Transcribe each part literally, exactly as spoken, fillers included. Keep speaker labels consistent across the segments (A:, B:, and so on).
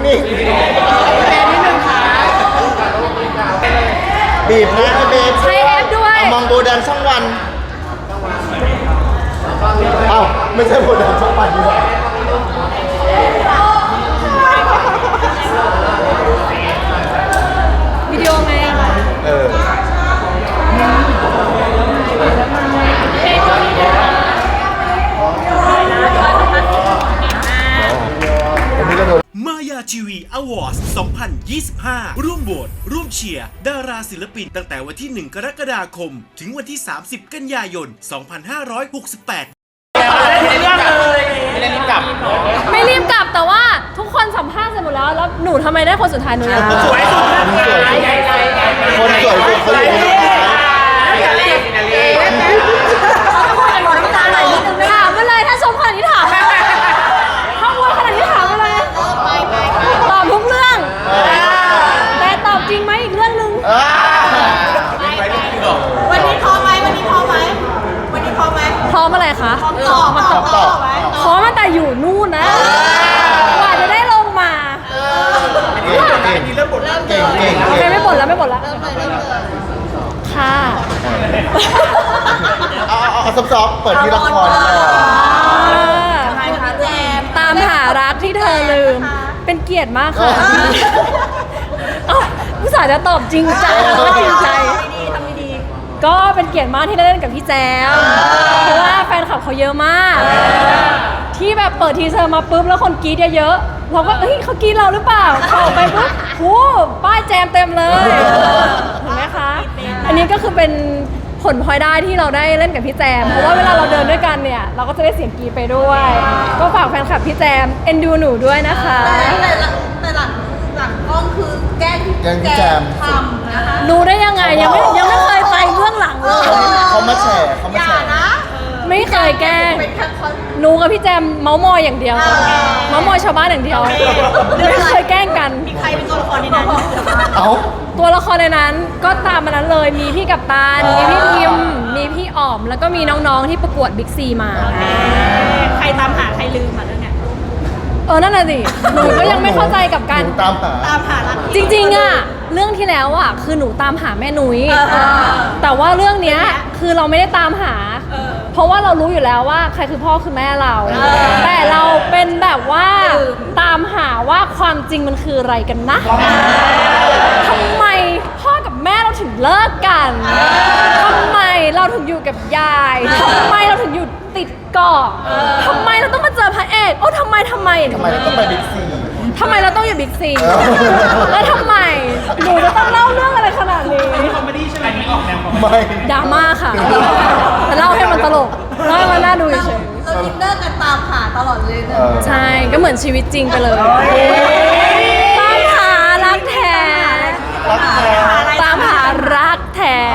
A: นิ่งบีบนะเบส
B: ใช้เอฟด้วย
A: เอามองโบดันช่องวันเอ้าไม่ใช่โบดันช่องวันดีกว่า
B: วิดีโอไง
A: เออ
C: มายาทีวีอวอร์ดสองพันยี่สิบห้า ร่วมโหวตร่วมเชียร์ดาราศิลปินตั้งแต่วันที่หนึ่งกรกฎาคมถึงวันที่สามสิบกันยายนสองพันห้าร้อยหกสิบแปด
B: ไม่รีบกลับไม่รีบกลับแต่ว่าทุกคนสัมภาษณ์เสร็จหมดแล้วแล้วหนูทำไมได้คนสุดท้ายหนูยัง
A: สวยสุดคนสวยสุดเขาอยู่ใน
B: ถามมาเลยถ้าชมขนาดนี้ถามถ้าพูดขนาดนี้ถามมาเลยตอบทุกเรื่องแต่ตอบจริงไหมอีกเรื่องนึง
D: วันนี้พร้อมไหมวันนี้พร้อมไหมวันนี้พร้อมไหม
B: พร้อมอะไรคะ
D: พร้อมตอบมาตอบตอบไหม
B: พร้อมตั้งแต่อยู่นู่นนะกว่าจะได้ลงมา
A: เก่งเก่งเริ่มบ่นเก่งเก่ง
B: โอเคไม่บ่นแล้วไม่บ่นแล้วค่ะ
A: เอาเอาเอาซอฟๆเปิดที่ละคร
B: ตามหารักที่เธอลืมเป็นเกียรติมากค่ะผู้สาวจะตอบจริงจังก็จริงใจก็เป็นเกียรติมากที่ได้เล่นกับพี่แจมเพราะว่าแฟนคลับเขาเยอะมากที่แบบเปิดทีเซอร์มาปุ๊บแล้วคนกรี๊ดเยอะๆเราก็เฮ้ยเขากรี๊ดเราหรือเปล่าเข้าไปปุ๊บโอ้ป้ายแจมเต็มเลยเห็นไหมคะอันนี้ก็คือเป็นผลพลอยได้ที่เราได้เล่นกับพี่แจมเพราะว่าเวลาเราเดินด้วยกันเนี่ยเราก็จะได้เสียงกรี๊ดไปด้วยก็ฝากแฟนคลับพี่แจมเอ็นดูหนูด้วยนะคะ
D: แต่แต่หลังหลังกล้องคือแกล้งพี่แจมทำนะคะ
B: รู้ได้ยังไงยังไม่ยังไม่เคยไปเบื้องหลังเลย
A: เขามาแฉเขามาแฉ
B: ไม่เคยแกล้งหนูกับพี่แจมเมาส์มอยอย่างเดียวเมาส์มอยชาวบ้านอย่างเดียวไม่เคยแกล้งกัน
D: มีใครเป็นตัวละครในนั้น
A: เอ้า
B: ตัวละครในนั้นก็ตามมานั้นเลยมีพี่กัปตันมีพี่พิมมีพี่อ๋อมแล้วก็มีน้องๆที่ประกวดบิ๊กซีมา
D: ใครตามหาใครลืมมาเรื่องนี้
B: เออนั่นแหละสิหนูก็ยังไม่เข้าใจกับการ
A: ตามหา
D: ตามหา
B: จริงๆอ่ะเรื่องที่แล้วอ่ะคือหนูตามหาแม่นุ้ยแต่ว่าเรื่องเนี้ยคือเราไม่ได้ตามหาเพราะว่าเรารู้อยู่แล้วว่าใครคือพ่อคือแม่เราแต่เราเป็นแบบว่าตามหาว่าความจริงมันคืออะไรกันนะทำไมพ่อกับแม่เราถึงเลิกกันทำไมเราถึงอยู่กับยายทำไมเราถึงอยู่ติดเกาะทำไมเราต้องมาเจอพระเอกโอ้ทำไมทำไม
A: ทำไมเราต้องไปบิ๊กซี
B: ทำไมเราต้องอยู่บิ๊กซีแล้วทำไมหนูจะต้องเล่าเรื่องอะไรขนาดนี้
C: คอมเมดี้ใช่ไหมออกแนวคอมเม
A: ดี้
B: ดราม่าค่ะแต่เล่าให้มันตลกเล่าให้มันน่าดูเฉย
D: เราอินเนอร์กันตามหาตลอดเลย
B: ใช่ก็เหมือนชีวิตจริงไปเลยตามหารักแท้ตามหารักแท้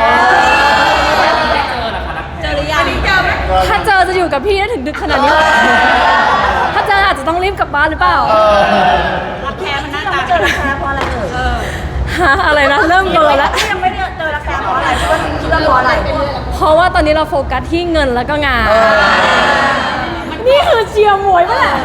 D: เจอหรือยัง
B: ถ้าเจอจะอยู่กับพี่ได้ถึงดึกขนาดนี้ถ้าเจออาจจะต้องรีบกลับบ้านหรือเปล่า
D: รักแท้มันหน้าตาเจอรักแท้เพราะอะไรเอ่ย
B: ฮะอะไรนะเริ่มเบลอแล้ว
D: ยังไม่ได้เจอรักแท้เพราะอะไรเพราะว่าคิดว่าเพราะอะไร
B: เพราะว่าตอนนี้เราโฟกัสที่เงินแล้วก็งานนี่คือเชียร์มวยป่ะแหละ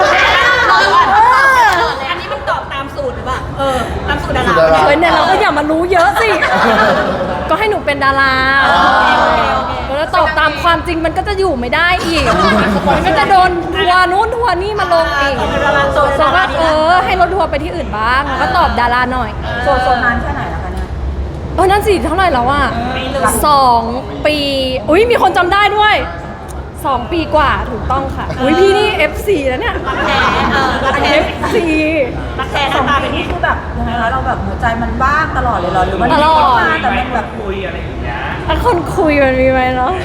D: อันนี้มันตอบตามสูตรหรือเปล่าเออตามสูตรดารา
B: เฮ้ยเนี่ยเราก็อย่ามารู้เยอะสิก็ให้หนูเป็นดาราแล้วตอบตามความจริงมันก็จะอยู่ไม่ได้อีกมันก็จะโดนทัวร์นู้นทัวร์นี่มาลงอีกโซโซก็เออให้รถทัวร์ไปที่อื่นบ้างแล้วก็ตอบดาราหน่อย
D: โซโซนานแค่ไหนแล้วคะเนี่ย
B: เออนั่นสิเท่าไหร่แล้วอ่ะสองปีอุ้ยมีคนจำได้ด้วยสองปีกว่าถูกต้องค่ะอุ้ยพี่นี่ เอฟ ซี แล้วเนี่ย
D: รักแท้เออรักแท้
B: เอฟ ซี
D: รักแท้หน้าตาเป็นนี่คือแบบยังไงคะเราแบบหัวใจมันว่างตลอดเลยหรอหรือมันมีคนมาแต่มันแบบ
C: คุยอะไรอย่างเงี้ย
B: ถ้าคนคุยมันมีไหมเนาะ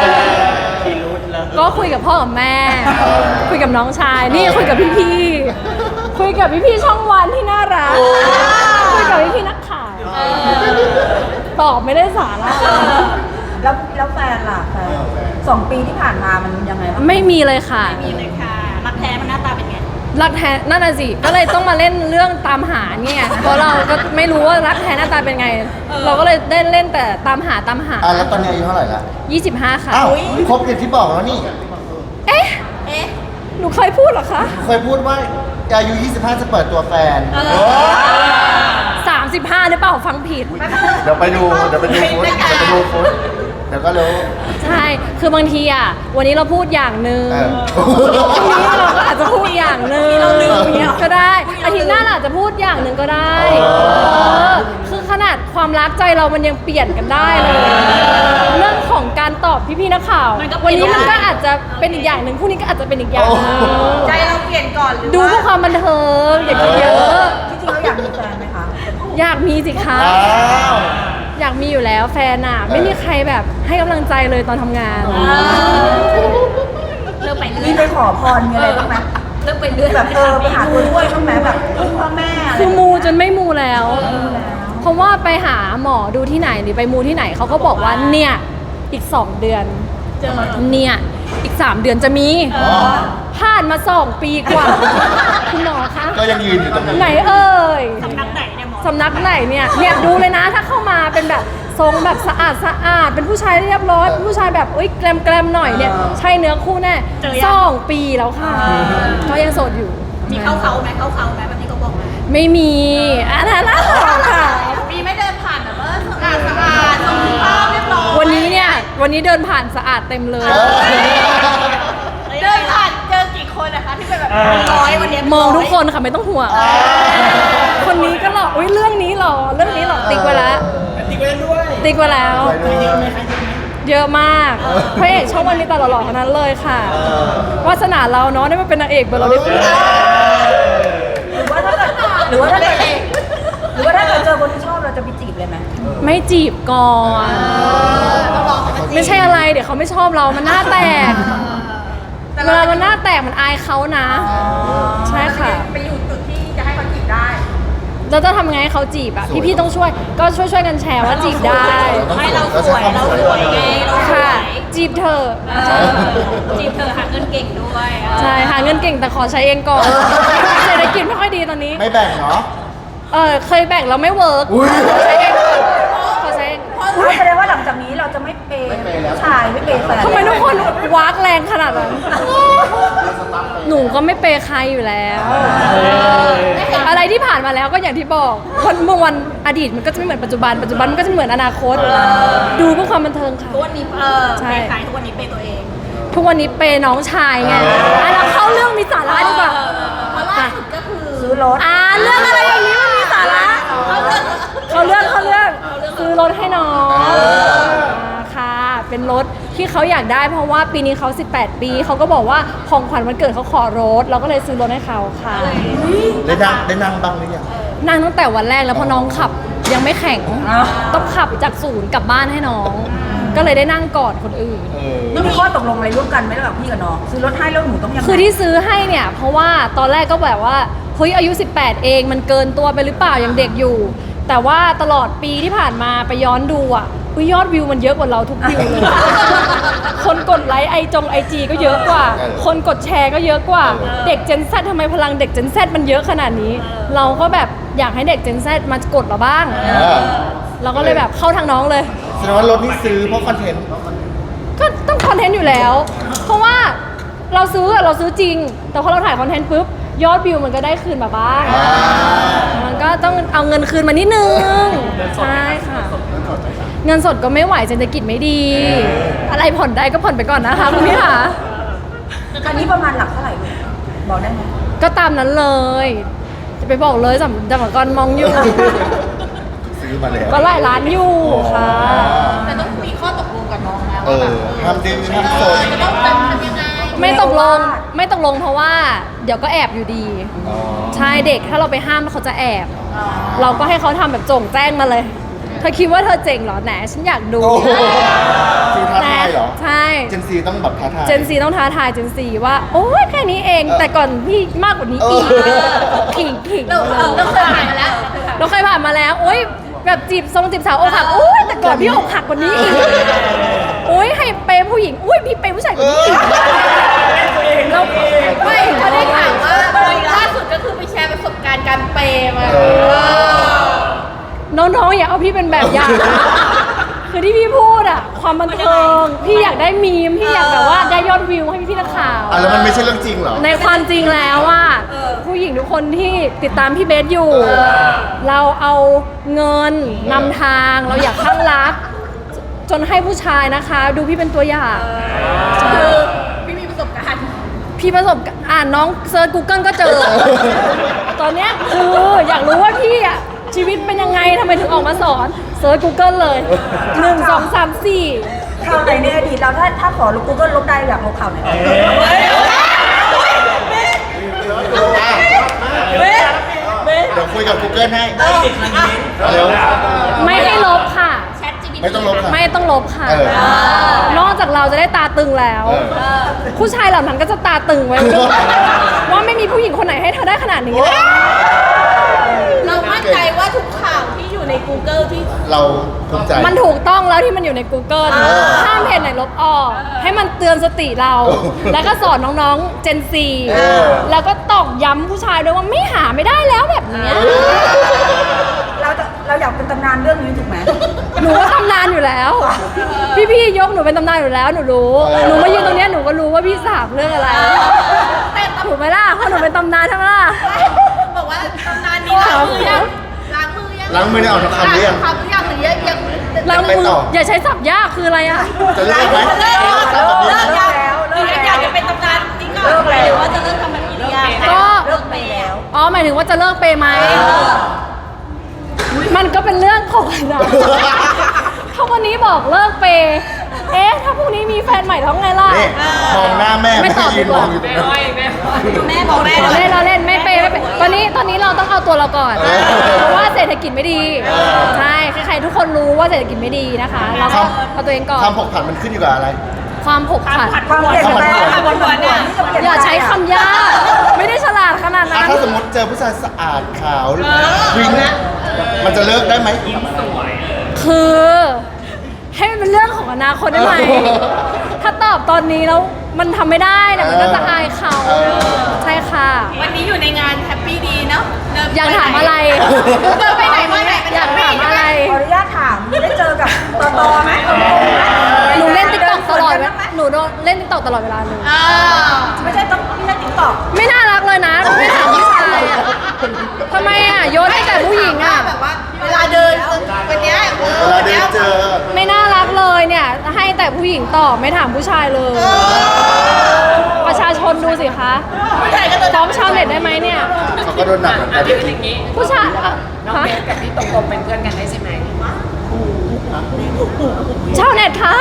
B: ก็คุยกับพ่อกับแม่คุยกับน้องชายนี่คุยกับพี่ๆคุยกับพี่ๆช่องวันที่น่ารักคุยกับพี่ๆนักข่าวตอบไม่ได้สาระ
D: แล้วแล้วแฟนล่ะแฟนสองปีที่ผ่านมามันยังไงบ้าง
B: ไม่มีเลยค่ะ
D: ไม่มีเลยค่ะรักแท้มันหน้าตาเป็นไง
B: รักแท้นั่นน่ะสิก็เลยต้องมาเล่นเรื่องตามหาเนี่ยเพราะเราก็ไม่รู้ว่ารักแท้หน้าตาเป็นไงเราก็เลยได้เล่นแต่ตามหาตามหา
A: อ่ะแล้วตอนนี้อายุเท่าไหร่ละ
B: ยี่สิบห้าค่ะ
A: อ้าวครบอย่างที่บอกแล้วนี่
B: เอ๊ะเอ๊ะหนูเคยพูดเหรอคะ
A: เคยพูดว่าอายุ ยี่สิบห้า จะเปิดตัวแฟน
B: สามสิบห้าหรือเปล่าฟังผิด
A: เดี๋ยวไปดู เดี๋ยวไปดูฟุตเดี๋ยวไปดูฟุตเดี๋ยวก็รู้
B: ใช่ คือบางทีอ่ะ วันนี้เราพูดอย่างหนึ่ง
A: เออ
B: พรุ่งนี้เราก็อาจจะพูดอย่างหนึ่งก็ได้ อาทิตย์หน้าเราอาจจะพูดอย่างหนึ่งก็ได้เออคือขนาดความรักใจเรามันยังเปลี่ยนกันได้เลย เรื่องของการตอบพี่ๆนักข่าว วันนี้มันก็อาจจะเป็นอีกอย่างหนึ่งพรุ่งนี้ก็อาจจะเป็นอีกอย่างหนึ่ง
D: ใจเราเปลี่ยนก่อนหรือ
B: ดูเพื่อความบันเทิงอย่าคิดเยอะ
D: จริงๆเราอยากมีแฟนไหมคะ
B: อยากมีสิคะ
A: อ้าว
B: อยากมีอยู่แล้วแฟนอ่ะ ไม่มีใครแบบให้กำลังใจเลยตอนทำงาน
D: เริ่มไปเรื่อยมีไปขอพรมีอะไรบ้างไหมเริ่มไปเรื่อยแบบเออไปหาตัวช่วยบ้างไหมแบบพ่อแม่อะไร
B: คือมูจนไม่มูแล้ว เพราะว่าไปหาหมอดูที่ไหนหรือไปมูที่ไหนเขาก็บอกว่าเนี่ยอีกสองเดือนเนี่ยอีกสามเดือนจะมีผ่านมาสองปีกว่าคุณหมอคะ
A: ก็ยังยืนอยู่ตรงนี้
B: ไหนเอ่ยสำนักไหนเนี่ยหมอสำนักไหนเนี่ยเนี่ยดูเลยนะถ้าเข้ามาเป็นแบบทรงแบบสะอาดสะอาดเป็นผู้ชายเรียบร้อยเป็นผู้ชายแบบเอ้ยแกลมแกลมหน่อยเนี่ยใช่เนื้อคู่แน่สองปีแล้วค่ะก็ยังโสดอยู่
E: มีเข้าเขาไหมเข้าเขาไหมแบบนี้เขาบอกไหม
B: ไม่มีอันนั้นค่ะ
E: มีไม่เดินผ่านแบบว่าสะอาดสะอาดทรงภาพเรียบร้อย
B: วันนี้เนี่ยวันนี้เดินผ่านสะอาดเต็มเลย
E: เดินผ่านเจอกี่คนนะคะที่เป็นแบบร้อยวันนี้
B: มองทุกคนค่ะไม่ต้องห่วงคนนี้ก็หล่ออุ้ยเรื่องนี้หล่อเรื่องนี้หล่อติ๊กไว้แล้วติ๊กไว้ด้วยติ๊กไว้แล้ว เยอะมากพระเอกช่องวันนี้ตลอดหล่อๆทั้งนั้นเลยค่ะวาสนาเราเนาะได้มาเป็นนางเอกเบอร์เราได้พูด
D: หรือว่าถ้าเกิดหรือว่าถ้าเกิดหรือว่าถ้าเกิดเจอคนที่ชอบเราจะไปจีบเลยไหม
B: ไม่จีบก่อนไม่ใช่อะไรเดี๋ยวเขาไม่ชอบเรามันหน้าแตกเวลามันหน้าแตกมันอายเขานะใช่ค่ะ
E: ไปอยู่จุดที่จะให้เขาจีบได้
B: เราจะทำไงให้เขาจีบอ่ะพี่ๆต้องช่วยก็ช่วยช่วยๆกันแชร์ว่าจีบได้
E: ให้เราสวยเราสวยไงเราสว
B: ค่ะ
E: ย
B: จีบเธอ
E: จีบเธอหาเงินเก่งด้วย
B: ใช่หาเงินเก่งแต่ขอใช้เองก่อนเศรษฐกิจไม่ค่อยดีตอนนี้
A: ไม่แบ่งเนาะ
B: เออเคยแบ่งแล้วไม่เวิร์ก
A: อุ๊ย
B: ขอใช้เองก่อนขอใช้เอง
D: แสดงว่าหลังจากนี้เราจะไม่เปย์ผู้ชายไม่เปย์แฟน
B: ทำไมทุกคนวากแรงขนาดนั้นหนูก็ไม่เปย์ใครอยู่แล้ว อะไรที่ผ่านมาแล้วก็อย่างที่บอกวันเมื่อวันอดีตมันก็จะไม่เหมือนปัจจุบันปัจจุบันมันก็จะไม่เหมือนอนาคต ดูเพื่อความบันเทิงค่ะ
E: ทุกวันนี้เออ
B: ใช่
E: เปย์ใครทุกวันนี้เปย์ตัวเอง
B: ทุกวันนี้เปย์น้องชายไงอ่ะเราเข้าเรื่องมีสาระดีกว่า
E: เพราะล่าสุดก็คือ
D: ซื้อรถ
B: อ่าเรื่องอะไรอย่างนี้มันมีสาระเขาเรื่องเขาเรื่องซื้อรถให้น้องค่ะ เป็นรถที่เขาอยากได้เพราะว่าปีนี้เขาสิบแปดปีเขาก็บอกว่าของขวัญวันเกิดเขาขอรถเราก็เลยซื้อรถให้เขาค่ะ
A: ได้นั่งได้นั่งบ้างหรือยัง
B: นั่งตั้งแต่วันแรกแล้วพอน้องขับยังไม่แข็งต้องขับจากศูนย์กลับบ้านให้น้อง ก็เลยได้นั่งก่อนคนอื่น
A: เออ
D: ต้องมีข้อตกลงอะไรร่วมกันไหมระหว่างพี่กับน้องซื้อรถให้แล้วหนูต้องยังไง
B: คือที่ซื้อให้เนี่ยเพราะว่าตอนแรกก็แบบว่าเฮ้ยอายุสิบแปดเองมันเกินตัวไปหรือเปล่ายังเด็กอยู่ แต่ว่าตลอดปีที่ผ่านมาไปย้อนดูอ่ะอุ๊ยยอดวิวมันเยอะกว่าเราทุกวิวเลย คนกดไลค์ไอจงไอจีก็เยอะกว่า คนกดแชร์ก็เยอะกว่าเด็ก Gen Z ทำไมพลังเด็ก Gen Z มันเยอะขนาดนี้ เราก็แบบอยากให้เด็ก Gen Z มากดเราบ้าง
A: เออ
B: เราก็เลยแบบเข้าทางน้องเลย
A: แสดงว่ารถนี่ซื้อเพราะคอนเทนต์
B: ก็ต้องคอนเทนต์อยู่แล้ว เพราะว่าเราซื้ออะเราซื้อจริง แต่พอเราถ่ายคอนเทนต์ปุ๊บยอดวิวมันก็ได้คืนมาบ้าง มันก็ต้องเอาเงินคืนมานิดนึง ใช่ค่ะ เงินสดก็ไม่ไหวเศรษฐกิจไม่ดี อะไรผ่อนได้ก็ผ่อนไปก่อนนะคะคุณพี่ค่ะ
D: คันนี้ประมาณหลักเท่าไหร่ลูกบอกได้ไหม
B: ก็ตามนั้นเลย จะไปบอกเลยสำสำหรับกรมองอยู่
A: ซื้อมาแล้ว
B: ก็หลายล้านอยู่ค่ะ
E: แต่ต้องมีข้อตกลงกับน้องนะ
A: เอ
E: ว่า
A: อ
E: แบบ
A: ห้ามดื้อห้ามโซน
E: จะต้องทำยังไง
B: ไม่ตกลงไม่ตกลงเพราะว่า เดี๋ยวก็แอบอยู่ดี
A: อ๋อ
B: ใช่เด็กถ้าเราไปห้ามแล้วเขาจะแอบ เราก็ให้เขาทำแบบโจ่งแจ้งมาเลย เธอคิดว่าเธอเจ๋งเหรอแหนฉันอยากดู
A: โอ้โหซื้อท้าทายเหรอ
B: ใช่
A: เจนซีต้องแบบท้าทาย
B: เจนซีต้องท้าทายเจนซีว่า โอ้ยแค่นี้เอง
A: เออ
B: แต่ก่อนพี่มากกว่านี้อีก
A: เออ
B: ขิงขิง
E: เราเราเราเคยผ่านมาแล้ว
B: เราเคยผ่านมาแล้วโอ้ยแบบจีบทรงจีบสาวอกหักโอ้ยแต่ก่อนพี่อกหักกว่านี้อีกโอ้ยให้เปย์ผู้หญิงอุ้ยพี่เปย์ผู้ชายกว่านี้อีกเรา
E: ไม่เขาได้ข่าวว่าล่าสุดก็คือไปแชร์ประสบการณ์การเปย์มา
B: น้องๆอย่าเอาพี่เป็นแบบอย่างนะคือที่พี่พูดอะความบันเทิงพี่อยากได้มีมพี่อยากแบบว่าได้ยอดวิวให้พี่ๆนักข่าว
A: อ่ะแล้วมันไม่ใช่เรื่องจริงเหรอ
B: ในความจริงแล้วว่าผู้ผู้หญิงทุกคนที่ติดตามพี่เบสอยู่ เราเอาเงินนำทางเราอยากข้างรัก จนให้ผู้ชายนะคะ ดูพี่เป็นตัวอย่าง
E: คือพี่มีประสบการณ์
B: พี่ประสบการณ์อ่านน้องเซิร์ช Google ก็เจอ ตอนเนี้ยคืออยากรู้ว่าพี่อะชีวิตเป็นยังไงทำไมถึงออกมาสอนเซิร์ช Google เลยหนึ่ง สอง สาม สี่
D: ข่าวไหนในอดีตเราถ้าถ้าขอลบ Google ลบได้อยากลบข่าวไหน
A: เดี๋ยวคุยกับ Google ให้เร็ว
B: ไม่ให้ลบค่ะ
A: ไม่ต้องลบค่ะ
B: ไม่ต้องลบค่ะ
A: เออ
B: นอกจากเราจะได้ตาตึงแล้ว
A: เออ
B: ผู้ชายเหล่านั้นก็จะตาตึงไว้ ว่าไม่มีผู้หญิงคนไหนให้เธอได้ขนาดนี้
E: เรามั่นใจว่าทุกข่าวที่อยู่ใน Google ที่
A: เราภูมิใจ
B: มันถูกต้องแล้วที่มันอยู่ใน Google
A: เออ
B: ห้ามเพจไหนลบออก ให้มันเตือนสติเรา
A: เออ
B: แล้วก็สอนน้องๆ Gen Z
A: เออ
B: แล้วก็ตอกย้ำผู้ชายด้วยว่าไม่หาไม่ได้แล้วแบบเนี้ย
D: เราจะเราอยากเป็นตำนานเรื่องนี้ถูกไหม
B: หนูว่าตำนานอยู่แล้ว พี่ๆยกหนูเป็นตำนานอยู่แล้วหนูรู้
A: เออ
B: หนูมายืนตรงเนี้ยหนูก็รู้ว่าพี่สาบเรื่องอะไร
E: แต่ต
B: ถูกไหมล่ะเพราะหนูเป็นตำนานใช่ไหมล่ะ
E: ำบอกว่าตำนานนี้ล้างมือยังล้างมือยัง
A: ล้างมือได้ออกทุกคำหรือยัง
E: คำหรือยังหรือยังยัง
B: ล้างมื
A: ไป
B: อ
A: ต่อ
B: อย่าใช้ศัพท์ยากคืออะไรอ่ะ
A: จะเลิกไหม
E: เลิก
A: จะเลิกแบบนี้
E: เลิก
A: ไหม
E: ยังหรือยังอยากจะเป็นตำนานนี้ก่อนหรือว่าจะเลิกทำแบบนี้หรือยัง
B: ก็
E: เลิกไปแล้ว
B: อ๋อหมายถึงว่าจะเลิกเปย์ไหมมันก็เป็นเรื่องของอนาคตถ้าวันนี้บอกเลิกเปย์เอ๊ะถ้าพรุ่งนี้มีแฟนใหม่ท้องไงล่ะ
A: นี่มองหน้าแม่
B: ไม่
A: แม่
B: ตอบ
A: ยืน
B: ดีก
A: ม
B: ว่า
A: องอยู่ตรงนั้น
E: แม่บอกแม่
B: เราเล่นเราเล่นไม่เปย์ไม่เปย์ตอนนี้ตอนนี้เราต้องเอาตัวเราก่อน
A: เออ
B: เพราะว่าเศรษฐกิจไม่ดี
A: เออ
B: ใช่ใครๆทุกคนรู้ว่าเศรษฐกิจไม่ดีนะคะ เราก็เอาตัวเองก่อน
A: คำผกผันมันขึ้นอยู่กับอะไร
B: ความผกผัน
D: ความเปลี่ยนแปลงความผันผวนนี่จะเปลี่ยน
B: อย่าใช้คำยากไม่ได้ฉลาดขนาด
A: อ่ะ
B: นั้น
A: ถ้าสมมติเจอผู้ชายสะอาดขาววิ่งมันจะเลิกได้ไหม
B: คือให้มันเป็นเรื่องของอนาคตได้ไหม
A: เออ
B: ถ้าตอบตอนนี้แล้วมันทำไม่ได้เนี่ยมันก็จะอายเขา
A: เออ
B: ใช่ค่ะ
E: วันนี้อยู่ในงานแฮปปี้ดีเนาะเดินป
B: อยากถามอะไร
E: เดินไปไหนมาไหนเป็น
B: อยากถามอะไร
D: ขออนุญาตถามได้เจอกับตอตอไหม
B: หนูเล่นติ๊กต็อกตลอดเวลาหนูโดนเล่นติ๊กต็อกตลอดเวลาเลย
E: อ่า
D: ไม่ใช่ต้องไม่ใช่ติ๊กต็อก
B: ไม่น่ารักเลยนะไม่ถามผู้ชายอะทำไมอ่ะโยนให้แต่ผู้หญิงอ่ะ
E: แบบว่าเวลาเดินวันเนี้ย
A: เวลาเดินเจอ
B: ไม่น่ารักเลยเนี่ยให้แต่ผู้หญิงตอบไม่ถามผู้ชายเลย ประชาชนดูสิคะ
E: ผู้ชายก็
B: ฟ้องชาวเน็ตได้ไหมเนี่ย
A: เขาก็โดนหนักเหมือนกัน
B: ผู้ชายอะ
F: น้อง
B: ฮะ
F: เบสกับพี่ตรงๆเป็นเพื่อนกันได้ใช่ไหม
B: ชาวเน็ตคะ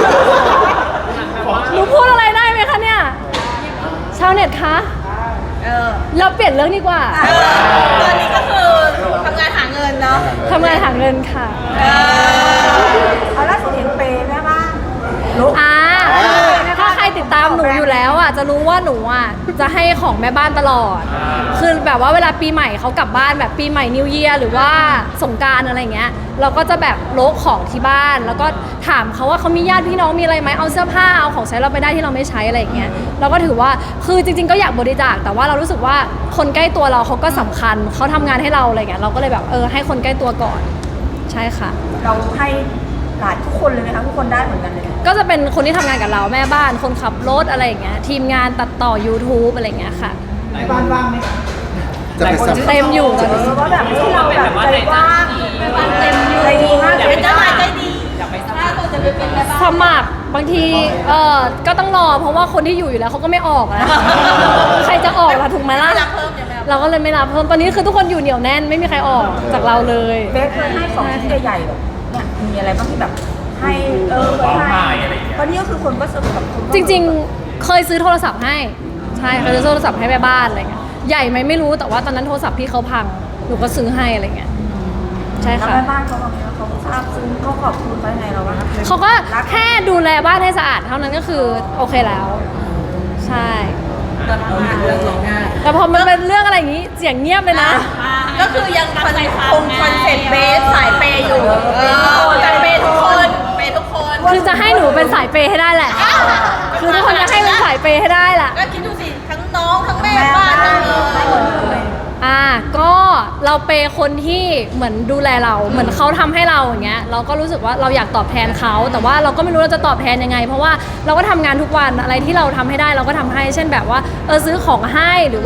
B: หนูพูดอะไรได้ไหมคะเนี่ยชาวเน็ตคะ
E: เออ
B: เราเปลี่ยนเรื่องดีกว่า
E: ตอนนี้ก็คือทำงานหาเงินเนาะ
B: ทำงานหาเงินค่ะ
D: เอาล่าสุดเห็นเปย์แม่บ้านลุก
B: อ่าถ้าใครติดตามหนูอยู่แล้วอ่ะจะรู้ว่าหนูอ่ะจะให้ของแม่บ้านตลอด คือแบบว่าเวลาปีใหม่เขากลับบ้านแบบปีใหม่นิวเยียร์หรือว่าสงกรานต์อะไรเงี้ย เราก็จะแบบโลกของที่บ้าน แล้วก็ถามเขาว่าเขามีญาติพี่น้องมีอะไรไหมเอาเสื้อผ้าเอาของใช้เราไปได้ที่เราไม่ใช้อะไรอย่างเงี้ยเราก็ถือว่าคือจริงๆก็อยากบริจาคแต่ว่าเรารู้สึกว่าคนใกล้ตัวเราเขาก็สำคัญเขาทำงานให้เราอะไรเงี้ยเราก็เลยแบบเออให้คนใกล้ตัวก่อนใช่ค่ะ
D: เราให้หลายทุกคนเลยไหมคะทุกคนได้เหมือนกันเลย
B: ก็จะเป็นคนที่ทำงานกับเราแม่บ้านคนขับรถอะไรอย่างเงี้ยทีมงานตัดต่อ YouTube อะไรอย่างเงี้ยค่ะ
D: บ้านว่างไหม
A: จะเป็นสัม
B: เต็มอยู่ตอนนี้
D: เออว่าแบบที่เราแบบใจว่างเต็มอยู่ใจดีมาก
E: เป็นเจ้านายใจดี
F: อยากไปส
E: ถ้า
F: มัคร
E: เราจะไปเป็นแม่บ้าน
B: สมัครบางทีเออก็ต้องรอเพราะว่าคนที่อยู่อยู่แล้วเขาก็ไม่ออกนะ ใครจะออกล่ะถูกไหมล่ะ
E: รับเพิ่มเนี่ยแม่
B: เราก็เลยไม่รับเพิ่มตอนนี้คือทุกคนอยู่เหนียวแน่นไม่มีใครออกจากเราเลย
D: เบสเคยให้ของชิ้นใหญ่ๆแบบเนี่ยมีอะไรบ้างที่แบบให้เออเคยให้เพราะนี่ก็คือคนก็สนุกกับคนก็
B: จริงๆ เคยซื้อโทรศัพท์ให้ใช่เคยซื้อโทรศัพท์ให้แม่บ้านอะไรเงี้ยใหญ่ไหมไม่รู้แต่ว่าตอนนั้นโทรศัพท์พี่เขาพังหนูก็ซื้อให้อะไรเงี้ยใช่
D: แล้ว
B: ค่ะ
D: แม่บ้านเขาบอกว่าเขาทราบซึ้งเขาขอบคุณเขายังไงเราบ้าง
B: เขาก็แค่ดูแลบ้านให้สะอาดเท่านั้นก็คือโอเคแล้ว ใช่
F: เรื่องร้องไห้
B: แต่พอมันเป็นเรื่องอะไรอย่างนี้เสียงเงียบเลยนะ
E: ก็คือยังคอนคงคอนเซ็ปต์เบสสายเปย์อยู่เออแต่เปย์ทุกคนเปย์ทุกคน
B: คือจะให้หนูเป็นสายเปย์ให้ได้แหละ คือทุกคนจะให้เป็นสายเปย์ให้ได้แหละ
E: ก็คิดดูสิทั้งน้องทั้งแม่บ้านทั้งเออ
B: อ่าก็เราเปย์คนที่เหมือนดูแลเรา เหมือนเขาทำให้เราอย่างเงี้ย เราก็รู้สึกว่าเราอยากตอบแทนเขา แต่ว่าเราก็ไม่รู้เราจะตอบแทนยังไง เพราะว่าเราก็ทำงานทุกวันอะไรที่เราทำให้ได้เราก็ทำให้ เช่นแบบว่าเออซื้อของให้หรือว่า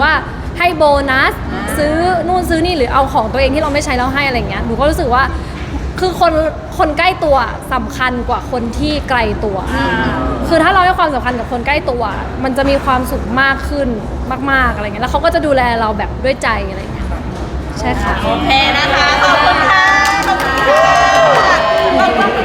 B: ให้โบนัสซื้อนู่นซื้อนี่หรือเอาของตัวเองที่เราไม่ใช้แล้วให้อะไรเงี้ยหนูก็รู้สึกว่าคือคนคนใกล้ตัวสำคัญกว่าคนที่ไกลตัวคือถ้าเราให้ความสำคัญกับคนใกล้ตัวมันจะมีความสุขมากขึ้นมากๆอะไรเงี้ยแล้วเขาก็จะดูแลเราแบบด้วยใจอะไรเงี้ยใช่ค่ะ
E: โอเคนะคะ ขอบคุณค่ะ ขอบคุณค่ะ